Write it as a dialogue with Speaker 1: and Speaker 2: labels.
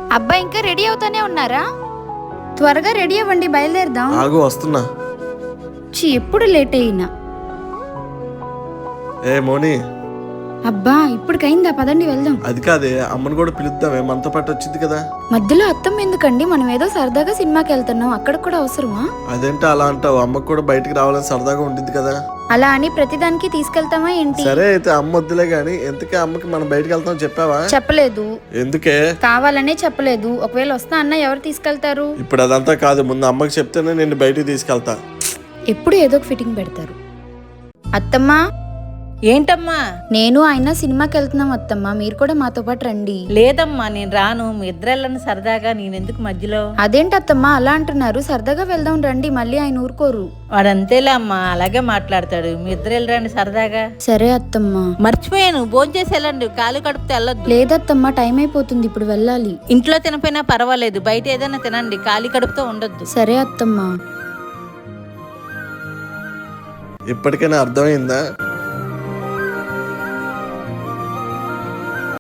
Speaker 1: అబ్బా ఇంకా రెడీ అవుతానే ఉన్నారా? త్వరగా రెడీ అవ్వండి, బయలుదేరదాం.
Speaker 2: ఆగు, వస్తున్నా.
Speaker 1: ఎప్పుడు లేట్ అయినా.
Speaker 2: ఏ మోని,
Speaker 1: అబ్బా ఇప్పటికైందా, పదండి వెళ్దాం.
Speaker 2: అది కాదే, అమ్మని కూడా పిలుద్దామే, మనతో పాటు వచ్చింది కదా.
Speaker 1: మధ్యలో అత్తమ్మ ఎందుకండి? మనం ఏదో సరదాగా సినిమాకి వెళ్తున్నాం, అక్కడ కూడా అవసరమా?
Speaker 2: అదేంటి అలా అంటావు? అమ్మకు కూడా బయటికి రావాలని సరదాగా ఉంటుంది కదా.
Speaker 1: అలా అని ప్రతిదానికి తీసుకెళ్తామా ఏంటి?
Speaker 2: సరే అయితే అమ్మ వద్దులే గాని, ఎంతకే అమ్మకి మనం బయటికి వెళ్తాం చెప్పావా?
Speaker 1: చెప్పలేదు.
Speaker 2: ఎందుకే?
Speaker 1: కావాలనే చెప్పలేదు. ఒకవేళ వస్తా అన్న ఎవరు తీసుకెళ్తారు?
Speaker 2: ఇప్పుడు అదంతా కాదు, ముందు అమ్మకి చెప్తేనే నేను బయటికి తీసుకెళ్తా.
Speaker 1: ఎప్పుడు ఏదో ఒక ఫిట్టింగ్ పెడతారు. అత్తమ్మా,
Speaker 3: ఏంటమ్మా?
Speaker 1: నేను ఆయన సినిమాకి వెళ్తున్నాం అత్తమ్మ, మీరు కూడా మాతో పాటు రండి.
Speaker 3: లేదమ్మా, నేను రాను. మీ ఇద్దరెళ్ళని సరదాగా, నేనెందుకు మధ్యలో?
Speaker 1: అదేంటి అత్తమ్మ అలా అంటున్నారు? సరదాగా వెళ్దాం రండి, మళ్ళీ ఆయన ఊరుకోరు.
Speaker 3: వాడంతేలే అమ్మా, అలాగే మాట్లాడతాడు. మీ ఇద్దరు వెళ్ళరండి సరదాగా.
Speaker 1: సరే అత్తమ్మ.
Speaker 3: మర్చిపోయాను, భోంచేసి వెళ్ళండి, కాలు కడుపుతో వెళ్ళొద్దు.
Speaker 1: లేదత్తమ్మ, టైం అయిపోతుంది, ఇప్పుడు వెళ్ళాలి.
Speaker 3: ఇంట్లో తినపోయినా పర్వాలేదు, బయట ఏదైనా తినండి, ఖాళీ కడుపుతో ఉండొద్దు.
Speaker 1: సరే అత్తమ్మ.
Speaker 2: ఇప్పటికైనా అర్థమైందా?